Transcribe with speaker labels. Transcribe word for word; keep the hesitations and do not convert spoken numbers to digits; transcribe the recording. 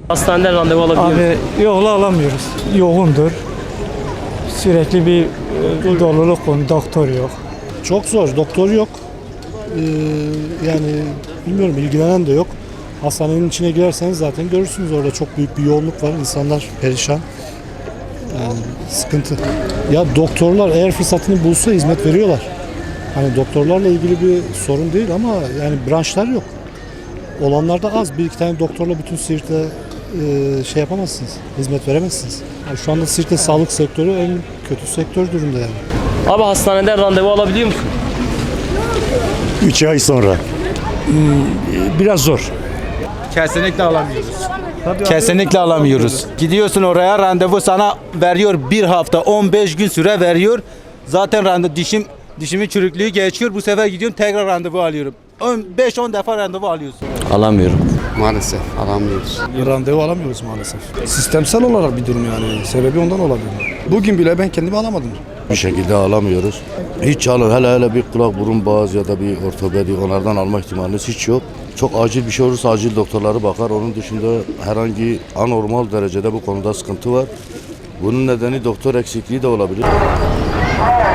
Speaker 1: Hastaneden randevu alabiliyor musun?
Speaker 2: Abi yokla alamıyoruz. Yoğundur. Sürekli bir e, doluluk konu, doktor yok.
Speaker 3: Çok zor, doktor yok. Ee, yani bilmiyorum, ilgilenen de yok. Hastanenin içine girerseniz zaten görürsünüz, orada çok büyük bir yoğunluk var. İnsanlar perişan. Yani sıkıntı. Ya doktorlar eğer fırsatını bulsa hizmet veriyorlar. Hani doktorlarla ilgili bir sorun değil ama yani branşlar yok. Olanlar da az. Bir iki tane doktorla bütün Siirt'e e, şey yapamazsınız, hizmet veremezsiniz. Yani şu anda Siirt'te sağlık sektörü en kötü sektör durumda yani.
Speaker 1: Abi hastaneden randevu alabiliyor musun?
Speaker 4: üç ay sonra. Biraz zor.
Speaker 5: Kesinlikle alamıyoruz. Kesinlikle alamıyoruz. Gidiyorsun oraya, randevu sana veriyor bir hafta on beş gün süre veriyor. Zaten randevu dişim dişimin çürüklüğü geçiyor. Bu sefer gidiyorum tekrar randevu alıyorum. beş on defa randevu alıyorsun.
Speaker 6: Alamıyorum.
Speaker 7: Maalesef alamıyoruz.
Speaker 8: Randevu alamıyoruz maalesef. Sistemsel olarak bir durum yani. Sebebi ondan olabilir. Bugün bile ben kendimi alamadım.
Speaker 9: Bir şekilde alamıyoruz. Hiç alın, hele hele bir kulak burun boğaz ya da bir ortopedi, onlardan alma ihtimaliniz hiç yok. Çok acil bir şey olursa acil doktorları bakar. Onun dışında herhangi anormal derecede bu konuda sıkıntı var. Bunun nedeni doktor eksikliği de olabilir.